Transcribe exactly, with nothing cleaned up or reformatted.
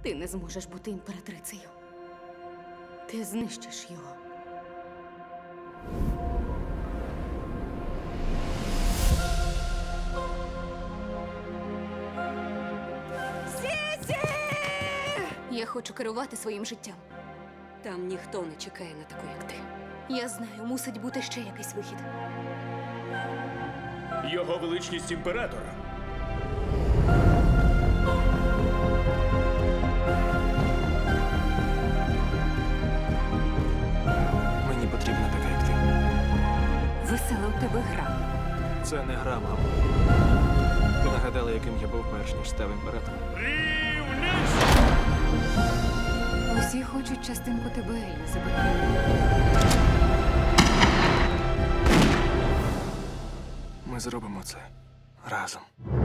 Ти не зможеш бути імператрицею. Ти знищиш його. Сісі! Я хочу керувати своїм життям. Там ніхто не чекає на таку, як ти. Я знаю, мусить бути ще якийсь вихід. Його величність імператор. Мені потрібна така, як ти. Весела у тебе гра. Це не гра, мамо. Ти нагадала, яким я був перш ніж став імператором. Усі хочуть частинку тебе, Елізабет. Ми зробимо це разом.